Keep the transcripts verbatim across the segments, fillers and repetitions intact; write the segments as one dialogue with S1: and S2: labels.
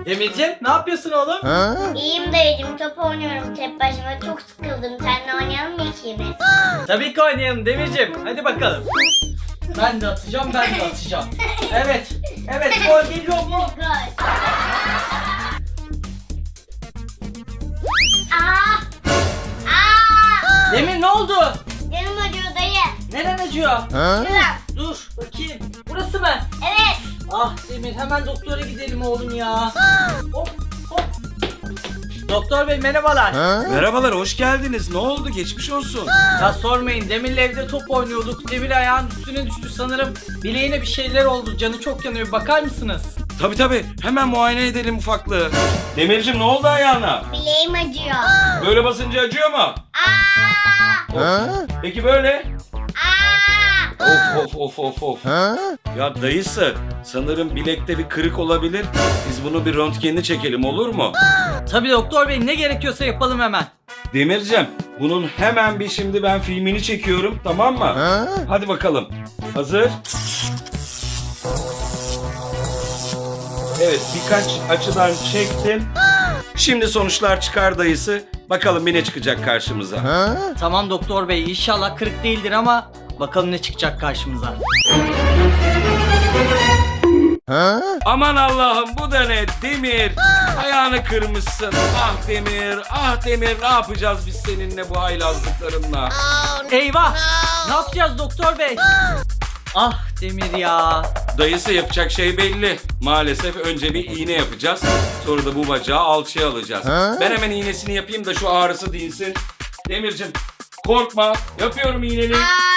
S1: Demircim ne yapıyorsun oğlum?
S2: İyiyim dayıcım, top oynuyorum tek başıma, çok sıkıldım. Seninle oynayalım mı ikimiz?
S1: Tabii ki oynayalım Demircim. Hadi bakalım. Ben de atacağım, ben de atacağım. Evet, evet gol geliyor mu?
S2: Gol. Aa! Aa!
S1: Demir ne oldu?
S2: Canım acıyor dayı.
S1: Neren acıyor?
S2: Şurada.
S1: Dur bakayım. Burası mı?
S2: Evet.
S1: Ah Demir hemen doktora gidelim oğlum ya. Hop hop. Doktor bey merhabalar.
S3: Merhabalar, hoş geldiniz. Ne oldu? Geçmiş olsun.
S1: Ya sormayın, Demir'le evde top oynuyorduk. Demir ayağın üstüne düştü sanırım. Bileğine bir şeyler oldu. Canı çok yanıyor. Bir bakar mısınız?
S3: Tabii tabii, hemen muayene edelim ufaklığı. Demircim ne oldu ayağına?
S2: Bileğim acıyor.
S3: Böyle basınca acıyor mu?
S2: Aa!
S3: Peki böyle?
S2: Aa!
S3: Of of of of of. Ya dayısı, sanırım bilekte bir kırık olabilir. Biz bunu bir röntgenini çekelim, olur mu?
S1: Tabii doktor bey, ne gerekiyorsa yapalım hemen.
S3: Demircim, bunun hemen bir şimdi ben filmini çekiyorum, tamam mı? Hadi bakalım. Hazır. Evet, birkaç açıdan çektim. Şimdi sonuçlar çıkar dayısı. Bakalım bir ne çıkacak karşımıza.
S1: Tamam doktor bey, inşallah kırık değildir ama bakalım ne çıkacak karşımıza.
S3: Aman Allah'ım, bu da ne? Demir, ayağını kırmışsın. Ah Demir, ah Demir, ne yapacağız biz seninle bu haylazlıklarınla?
S1: Eyvah! Ne yapacağız doktor bey? Ah Demir ya.
S3: Dayısı yapacak şey belli. Maalesef önce bir iğne yapacağız. Sonra da bu bacağı alçıya alacağız. Ben hemen iğnesini yapayım da şu ağrısı dinsin. Demircim, korkma. Yapıyorum iğneni.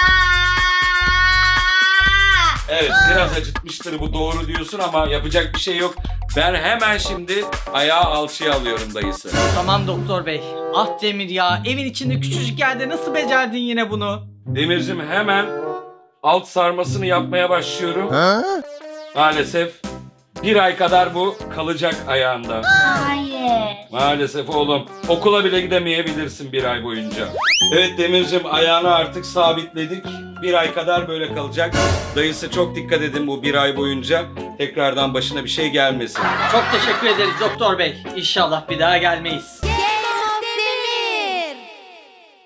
S3: Evet, biraz acıtmıştır, bu doğru diyorsun ama yapacak bir şey yok. Ben hemen şimdi ayağı alçıya alıyorum dayısı.
S1: Tamam doktor bey. Ah Demir ya, evin içinde küçücük yerde nasıl becerdin yine bunu?
S3: Demircim hemen alt sarmasını yapmaya başlıyorum. Maalesef bir ay kadar bu kalacak ayağında.
S2: Hayır.
S3: Maalesef oğlum. Okula bile gidemeyebilirsin bir ay boyunca. Evet Demircim, ayağını artık sabitledik. Bir ay kadar böyle kalacak. Dayısı çok dikkat edin bu bir ay boyunca. Tekrardan başına bir şey gelmesin.
S1: Çok teşekkür ederiz doktor bey. İnşallah bir daha gelmeyiz.